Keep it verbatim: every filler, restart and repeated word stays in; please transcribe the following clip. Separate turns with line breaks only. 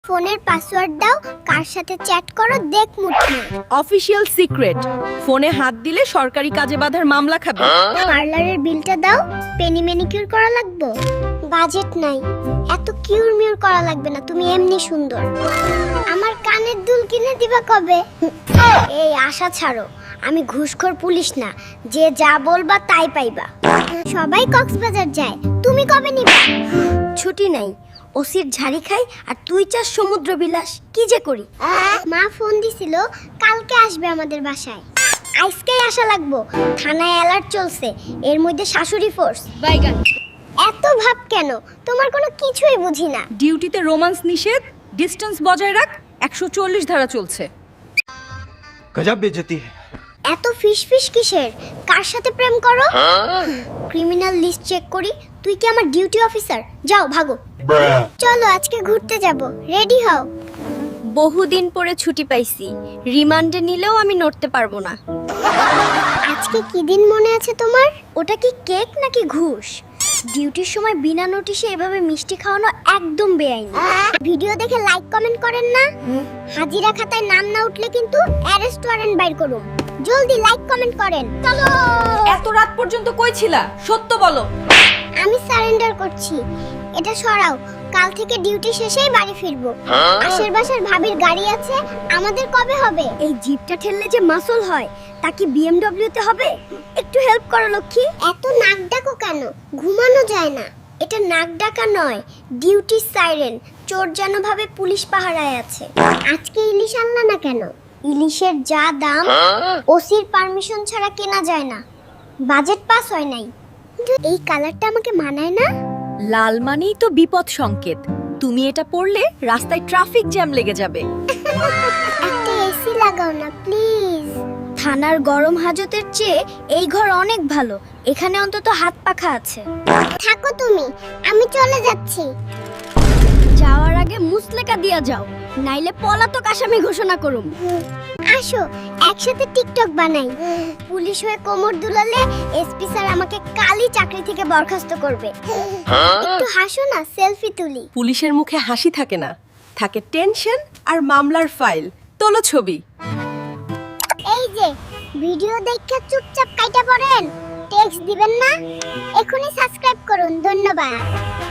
ফোনের পাসওয়ার্ড দাও, কার সাথে চ্যাট করো দেখ মুঠি।
অফিশিয়াল সিক্রেট, ফোনে হাত দিলে সরকারি কাজে বাধার মামলা খাবে।
পার্লারের বিলটা দাও, পেনি ম্যানিকিউর করা লাগবে। বাজেট নাই, এত কিউর মিউর করা লাগবে না, তুমি এমনি সুন্দর। আমার কানের দুল কিনে দিবা কবে? এই আশা ছাড়ো, আমি ঘুষখোর পুলিশ না, যে যা বলবা তাই পাইবা। সবাই কক্সবাজার যায়, তুমি কবে নিবা? ছুটি নাই, ওসির ঝাড়ি খাই আর তুই চাস সমুদ্র বিলাস, কি যে করি। মা ফোন দিছিল কালকে আসবে আমাদের বাসায়, আজকেই আসা লাগবো। থানায় অ্যালার্ট চলছে, এর মধ্যে শাশুড়ি ফোর্স।
বাইগান,
এত ভাব কেন? তোমার কোনো কিছুই বুঝি না।
ডিউটিতে রোমান্স নিষেধ, ডিস্টেন্স বজায় রাখ, একশো চল্লিশ ধারা চলছে।
गजब बेइज्जती है।
এত ফিস ফিস কিসের? কার সাথে প্রেম করো? ক্রিমিনাল লিস্ট চেক করি। তুই কি আমার ডিউটি অফিসার? যাও ভাগো। চলো আজকে ঘুরতে যাব, রেডি হও।
বহুদিন পরে ছুটি পাইছি, রিমান্ডে নিলেও আমি নড়তে পারবো না।
আজকে কি দিন মনে আছে তোমার? ওটা কি কেক নাকি ঘুষ? ডিউটির সময় বিনা নোটিশে এভাবে মিষ্টি খাওয়ানো একদম বেআইনি। ভিডিও দেখে লাইক কমেন্ট করেন না? হাজিরা খাতায় নাম না উঠলে কিন্তু অ্যারেস্ট ওয়ারেন্ট বাইর করুম। জলদি লাইক কমেন্ট করেন। চলো।
এত রাত পর্যন্ত কই ছিলা? সত্য বলো।
আমি সারেন্ডার করছি, এটা সরাও। কাল থেকে ডিউটি শেষেই বাড়ি ফিরবো। আশের বাসার ভাবির গাড়ি আছে, আমাদের কবে হবে? এই জিপটা ঠেললে যে মাসল হয়, তা কি বিএমডব্লিউ তে হবে? একটু হেল্প করো লক্ষ্মী। এত নাক ডাকো কেন? ঘুমানো যায় না। এটা নাক ডাকা নয়, ডিউটি সাইরেন। চোর যেন ভাবে পুলিশ পাহারায় আছে। আজকে ইলিশ আনলা না কেন? ইলিশের যা দাম, ওসির পারমিশন ছাড়া কেনা যায় না। বাজেট পাস হয় নাই। কিন্তু এই কালারটা আমাকে মানায় না।
লাল মানেই তো বিপদ সংকেত, তুমি এটা পড়লে রাস্তায় ট্রাফিক জ্যাম লেগে যাবে।
একটা এসি লাগাও না প্লিজ। থানার গরম হাজতের চেয়ে এই ঘর অনেক ভালো, এখানে অন্তত হাত পাখা আছে। থাকো তুমি, আমি চলে যাচ্ছি।
যাওয়ার আগে মুসলেকা দিয়া যাও, নাইলে পলাতক আসামি ঘোষণা করুম।
আসো একসাথে টিকটক বানাই। পুলিশ হয়ে কোমর দুলালে এসপি স্যার আমাকে কালই চাকরি থেকে বরখাস্ত করবে। একটু হাসো না, সেলফি তুলি।
পুলিশের মুখে হাসি থাকে না, থাকে টেনশন আর মামলার ফাইল। তোলো ছবি।
এই যে ভিডিও দেখে চুপচাপ কাইটা পড়েন, টেক্সট দিবেন না। এখনই সাবস্ক্রাইব করুন, ধন্যবাদ।